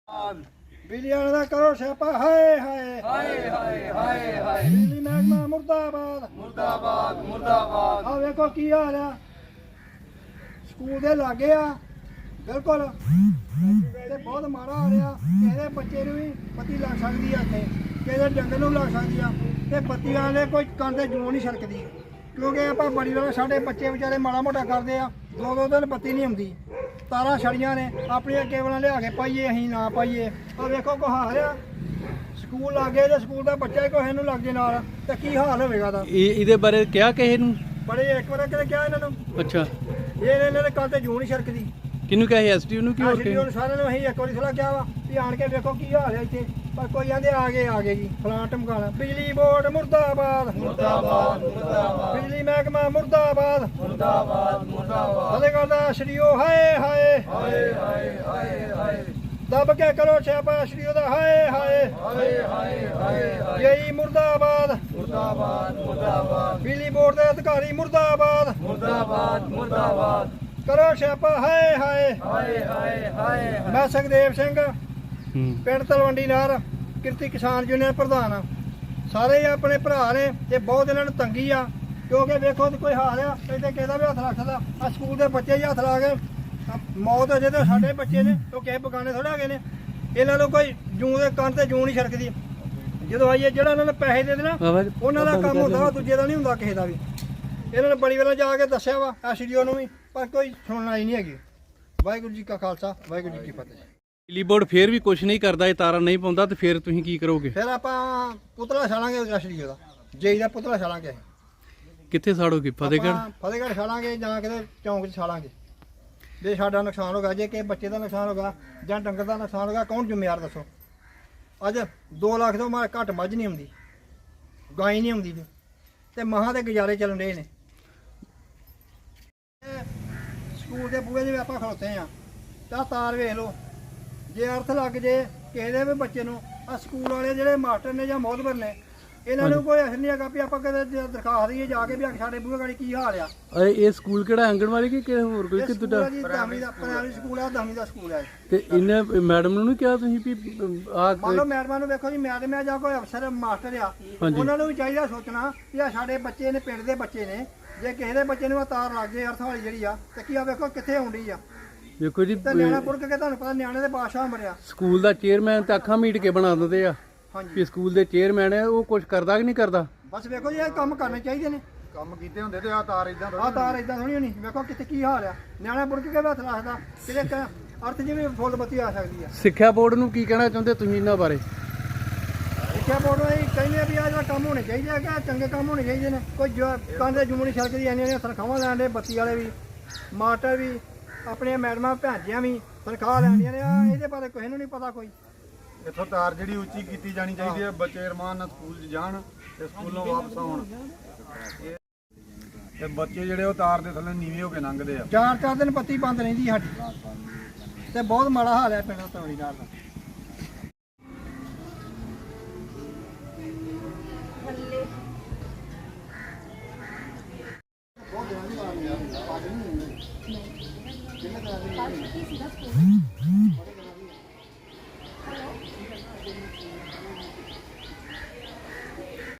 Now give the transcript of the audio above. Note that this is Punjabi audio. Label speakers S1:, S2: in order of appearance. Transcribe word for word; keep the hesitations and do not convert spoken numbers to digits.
S1: बिजली वाले दा करो स्यापा हाय हाय
S2: हाय हाय हाय हाय
S1: बिजली महकमा मुर्दाबाद
S2: मुर्दाबाद मुर्दाबाद।
S1: आ वेखो की हाल आ स्कूल दे लागे आ बिल्कुल ते बहुत माड़ा हाल आ किसे दे बच्चे नूं भी पत्ती लग सकदी आ इत्थे किसे दे डंगर नूं लग सकदी आ ते बत्ती वाले कोई कंन ते जूं नहीं छड़कदी क्योंकि ਆਪਾਂ ਬੜੀ ਵਾਲੇ ਸਾਡੇ ਬੱਚੇ ਵਿਚਾਰੇ ਮਾੜਾ ਮੋਟਾ ਕਰਦੇ ਆ ਦੋ ਦੋ ਦਿਨ ਬੱਤੀ ਨਹੀਂ ਆਉਂਦੀ ਤਾਰਾਂ ਛੜੀਆਂ ਨੇ ਆਪਣੀਆਂ ਕੇਬਲਾਂ ਲਿਆ ਕੇ ਪਾਈਏ ਅਸੀਂ ਨਾ ਪਾਈਏ ਆ ਵੇਖੋ ਕੋ ਹਾਲ ਆ ਸਕੂਲ ਲੱਗੇ ਜੇ ਸਕੂਲ ਦਾ ਬੱਚਾ ਹੀ ਕੋਈ ਇਹਨੂੰ ਲੱਗ ਜੇ ਨਾਲ ਤੇ ਕੀ ਹਾਲ ਹੋਵੇਗਾ ਦਾ
S3: ਇਹ ਇਹਦੇ ਬਾਰੇ ਕਿਹਾ ਕਿਸੇ ਨੂੰ?
S1: ਬੜੇ ਇੱਕ ਵਾਰ ਕਿਤੇ ਕਿਹਾ ਇਹਨਾਂ ਨੂੰ
S3: ਅੱਛਾ,
S1: ਇਹ ਇਹਨਾਂ ਦੇ ਕੰਨ ਤੇ ਜੂੰ ਨਹੀਂ ਛੜਕਦੀ
S3: ਕਿਹਨੂੰ ਕਿਹਾ ਸੀ? ਐਸਟੀਓ ਨੂੰ ਕਿ ਹੋਰ
S1: ਐਸਡੀਓ ਨੂੰ ਸਾਰਿਆਂ ਨੂੰ ਅਸੀਂ ਇੱਕ ਵਾਰੀ ਸਲਾਹ ਕਿਹਾ ਵਾ ਵੀ ਆਣ ਕੇ ਵੇਖੋ ਕੀ ਹਾਲ ਹੈ ਇੱਥੇ ਪਰ ਕੋਈ ਆਂਦੇ ਆ ਗਏ ਆ ਗਏ ਜੀ ਫਲਾਂ ਟਮਕਾਣਾ ਬਿਜਲੀ ਬੋਰਡ ਮੁਰਦਾਬਾਦ
S2: मुर्दाबाद मुर्दाबाद
S1: ਬਿਜਲੀ ਮਹਿਕਮਾ ਮੁਰਦਾਬਾਦ
S2: मुर्दाबाद मुर्दाबाद।
S1: ਫਤਿਹਗੜ੍ਹ ਦਾ ਸ਼ਰੀਓ ਹਾਏ ਹਾਏ
S2: हाय हाय हाय हाय
S1: ਦੱਬ ਕੇ ਕਰੋ ਛਾਪਾ ਸ਼ਰੀਓ ਦਾ ਹਾਏ ਹਾਏ
S2: हाय हाय हाय हाय
S1: ਜਈ ਮੁਰਦਾਬਾਦ
S2: मुर्दाबाद मुर्दाबाद
S1: ਬਿਜਲੀ ਬੋਰਡ ਦੇ ਅਧਿਕਾਰੀ ਮੁਰਦਾਬਾਦ
S2: मुर्दाबाद मुर्दाबाद।
S1: ਕਰੋ ਛਾਪਾ ਹਾਏ ਹਾਏ
S2: हाय हाय हाय
S1: ਮੈਂ ਸੁਖਦੇਵ ਸਿੰਘ
S3: ਹੂੰ
S1: ਪਿੰਡ ਤਲਵੰਡੀ ਨਾਰ ਕਿਰਤੀ ਕਿਸਾਨ ਯੂਨੀਅਨ ਪ੍ਰਧਾਨ ਆ ਸਾਰੇ ਹੀ ਆਪਣੇ ਭਰਾ ਨੇ ਤੇ ਬਹੁਤ ਇਹਨਾਂ ਨੂੰ ਤੰਗੀ ਆ ਕਿਉਂਕਿ ਵੇਖੋ ਤੇ ਕੋਈ ਹਾਲ ਆ ਇੱਥੇ ਕਿਹਦਾ ਵੀ ਹੱਥ ਰੱਖਦਾ ਆ ਸਕੂਲ ਦੇ ਬੱਚੇ ਹੀ ਹੱਥ ਲਾ ਕੇ ਆਹ ਮੌਤ ਹੋ ਜੇ ਤੇ ਸਾਡੇ ਬੱਚੇ ਨੇ ਉਹ ਕਿਸੇ ਬਗਾਨੇ ਥੋੜਾ ਹੈਗੇ ਨੇ ਇਹਨਾਂ ਨੂੰ ਕੋਈ ਜੂੰ ਦੇ ਕੰਨ ਤੇ ਜੂੰ ਨਹੀਂ ਛੜਕਦੀ ਜਦੋਂ ਆਈਏ ਜਿਹੜਾ ਇਹਨਾਂ ਨੇ ਪੈਸੇ ਦੇ ਦੇਣਾ
S3: ਬਾਬਾ
S1: ਉਹਨਾਂ ਦਾ ਕੰਮ ਹੁੰਦਾ ਵਾ ਦੂਜੇ ਦਾ ਨਹੀਂ ਹੁੰਦਾ ਕਿਸੇ ਦਾ ਵੀ ਇਹਨਾਂ ਨੇ ਬੜੀ ਵਾਰ ਜਾ ਕੇ ਦੱਸਿਆ ਵਾ ਐਸਡੀਓ ਨੂੰ ਵੀ ਪਰ ਕੋਈ ਸੁਣਨਾ ਹੀ ਨਹੀਂ ਹੈਗੀ ਵਾਹਿਗੁਰੂ ਜੀ ਕਾ ਖਾਲਸਾ ਵਾਹਿਗੁਰੂ ਜੀ ਕੀ ਫਤਿਹ
S3: ਬਿਜਲੀ ਬੋਰਡ ਫੇਰ ਵੀ ਕੁਝ ਨਹੀਂ ਕਰਦਾ, ਇਹ ਤਾਰਾਂ ਨਹੀਂ ਪਾਉਂਦਾ ਤੇ ਫੇਰ ਤੁਸੀਂ ਕੀ ਕਰੋਗੇ?
S1: ਫਿਰ ਆਪਾਂ ਪੁਤਲਾ ਛਾਲਾਂਗੇ ਐਸਡੀਓ ਦਾ ਜੇਈ ਦਾ ਪੁਤਲਾ ਛਾਲਾਂਗੇ
S3: ਕਿੱਥੇ ਸਾੜੋਗੇ? ਫਤਿਹਗੜ੍ਹ?
S1: ਆਪਾਂ ਫਤਿਹਗੜ੍ਹ ਛਾਲਾਂਗੇ ਜਾਂ ਕਿਤੇ ਚੌਂਕ 'ਚ ਛਾਲਾਂਗੇ ਜੇ ਸਾਡਾ ਨੁਕਸਾਨ ਹੋਗਾ ਜੇ ਕਿਸੇ ਬੱਚੇ ਦਾ ਨੁਕਸਾਨ ਹੋਗਾ ਜਾਂ ਡੰਗਰ ਦਾ ਨੁਕਸਾਨ ਹੋਗਾ ਕੌਣ ਜ਼ਿੰਮੇਵਾਰ ਦੱਸੋ ਅੱਜ ਦੋ ਲੱਖ ਤੋਂ ਮਾਰ ਘੱਟ ਮੱਝ ਨਹੀਂ ਆਉਂਦੀ ਗਾਂ ਹੀ ਨਹੀਂ ਆਉਂਦੀ ਜੀ ਤੇ ਮਹਾਂ ਦੇ ਗੁਜ਼ਾਰੇ ਚੱਲਣ ਰਹੇ ਨੇ ਇਹ ਸਕੂਲ ਦੇ ਬੂਹੇ 'ਚ ਵੀ ਆਪਾਂ ਖਲੋਤੇ ਆ ਤਾਂ ਤਾਰ ਵੇਖ ਲਓ ਜੇ ਅਰਥ ਲੱਗ ਜੇ ਕਿਸੇ ਦੇ ਵੀ ਬੱਚੇ ਨੂੰ ਆ ਸਕੂਲ ਵਾਲੇ ਜਿਹੜੇ ਮਾਸਟਰ ਨੇ ਜਾਂ ਮੋਹਤਬਰ ਨੇ ਇਹਨਾਂ ਨੂੰ ਕੋਈ ਅਸਰ ਨਹੀਂ ਹੈਗਾ ਵੀ ਆਪਾਂ ਕਦੇ ਦਰਖਾਸਤ ਦਈਏ ਜਾ ਕੇ ਵੀ ਆ ਸਾਡੇ ਬੂਹੇ ਗਾੜੀ ਕੀ ਹਾਲ ਆ
S3: ਅਰੇ ਇਹ ਸਕੂਲ ਕਿਹੜਾ ਆਂਗਣਵਾੜੀ ਕਿ ਕਿਸੇ ਹੋਰ ਕੋਈ
S1: ਇਹ
S3: ਕਿੱਦਾਂ
S1: ਸਕੂਲ
S3: ਦਾ?
S1: ਆ ਜੀ ਦਸਵੀਂ ਦਾ ਪ੍ਰਾਇਮਰੀ ਸਕੂਲ ਆ ਦਸਵੀਂ ਦਾ ਸਕੂਲ ਆ
S3: ਤੇ ਇਹਨੇ ਮੈਡਮ ਨੂੰ ਨਹੀਂ ਕਿਹਾ ਤੁਸੀਂ ਵੀ ਆ
S1: ਮੰਨ ਲਓ ਮੈਡਮਾਂ ਨੂੰ ਵੇਖੋ ਜੀ ਮੈਡਮ ਆ ਜਾਂ ਕੋਈ ਅਫਸਰ ਮਾਸਟਰ ਆ
S3: ਹਾਂਜੀ।
S1: ਉਹਨਾਂ ਨੂੰ ਵੀ ਚਾਹੀਦਾ ਸੋਚਣਾ ਕਿ ਆ ਸਾਡੇ ਬੱਚੇ ਨੇ ਪਿੰਡ ਦੇ ਬੱਚੇ ਨੇ ਜੇ ਕਿਸੇ ਦੇ ਬੱਚੇ ਨੂੰ ਆ ਤਾਰ ਲੱਗ ਜੇ ਅਰਥ ਵਾਲੀ ਜਿਹੜੀ ਆ ਤੇ ਕੀ ਆ ਵੇਖੋ ਕਿੱਥੇ ਆਉਂਦੀ ਆ
S3: ਦੇਖੋ ਜੀ
S1: ਤੇ ਨਿਆਣਾ ਪੁਰਕ ਕੇ ਤੁਹਾਨੂੰ ਪਤਾ ਨਿਆਣੇ ਦੇ ਬਾਦਸ਼ਾਹ ਮਰਿਆ
S3: ਸਕੂਲ ਦਾ ਚੇਅਰਮੈਨ ਤੇ ਅੱਖਾਂ ਮੀਟ ਕੇ ਬਣਾ ਦਿੰਦੇ ਆ
S1: ਹਾਂਜੀ
S3: ਵੀ ਸਕੂਲ ਦੇ ਚੇਅਰਮੈਨ ਹੈ ਉਹ ਕੁਝ ਕਰਦਾ ਕਿ ਨਹੀਂ ਕਰਦਾ?
S1: ਬਸ ਵੇਖੋ ਜੀ ਇਹ ਕੰਮ ਕਰਨੇ ਚਾਹੀਦੇ ਨੇ
S2: ਕੰਮ ਕੀਤੇ ਹੁੰਦੇ ਤੇ ਆ ਤਾਰ ਇਦਾਂ
S1: ਆ ਤਾਰ ਇਦਾਂ ਥੋੜੀ ਹੋਣੀ ਵੇਖੋ ਕਿਤੇ ਕੀ ਹਾਲ ਆ ਨਿਆਣਾ ਪੁਰਕ ਕੇ ਵੀ ਹੱਥ ਰੱਖਦਾ ਕਿਤੇ ਕ- ਅਰਥ ਜਿਵੇਂ ਫੁੱਲ ਬੱਤੀ ਆ ਸਕਦੀ ਆ
S3: ਸਿੱਖਿਆ ਬੋਰਡ ਨੂੰ ਕੀ ਕਹਿਣਾ ਚਾਹੁੰਦੇ ਤੁਸੀਂ ਇਹਨਾਂ ਬਾਰੇ?
S1: ਸਿੱਖਿਆ ਬੋਰਡ ਨੂੰ ਇਹ ਕਹਿੰਦੇ ਆ ਵੀ ਆਹ ਜਿਹੜਾ ਕੰਮ ਹੋਣੇ ਚਾਹੀਦੇ ਆ ਕਿ ਚੰਗੇ ਕੰਮ ਹੋਣੇ ਚਾਹੀਦੇ ਨੇ ਕੋਈ ਜੋ ਕੰਨ ਦੇ ਜੁਮਣੀ ਛਲਕਦੀ ਇੰਨੀਆਂ ਇੰਨੀਆਂ ਤਨਖਾਹਾਂ ਲੈਣ ਦੇ ਬੱਤੀ ਵਾਲੇ ਵੀ ਮਾਸਟਰ ਵੀ ਆਪਣੀਆਂ ਮੈਡਮਾਂ ਭੈਣਜੀਆਂ ਵੀ ਤਨਖਾਹ ਲੈਂਦੀਆਂ ਨੇ ਆ ਇਹਦੇ ਬਾਰੇ ਕਿਸੇ ਨੂੰ ਨਹੀਂ ਪਤਾ ਕੋਈ
S2: ਇੱਥੋਂ ਤਾਰ ਜਿਹੜੀ ਉੱਚੀ ਕੀਤੀ ਜਾਣੀ ਚਾਹੀਦੀ ਹੈ ਬੱਚੇ ਅਰਮਾਨ ਨਾਲ ਸਕੂਲ 'ਚ ਜਾਣ ਤੇ ਸਕੂਲੋਂ ਵਾਪਸ ਆਉਣ ਤੇ ਬੱਚੇ ਜਿਹੜੇ ਉਹ ਤਾਰ ਦੇ ਥੱਲੇ ਨੀਵੇਂ ਹੋ ਕੇ ਲੰਘਦੇ ਆ।
S1: ਚਾਰ ਚਾਰ ਦਿਨ ਬੱਤੀ ਬੰਦ ਰਹਿੰਦੀ ਸਾਡੀ ਤੇ ਬਹੁਤ ਮਾੜਾ ਹਾਲ ਹੈ ਪਿੰਡ ਤਵੜੀ ਦਾ ਬਹੁਤ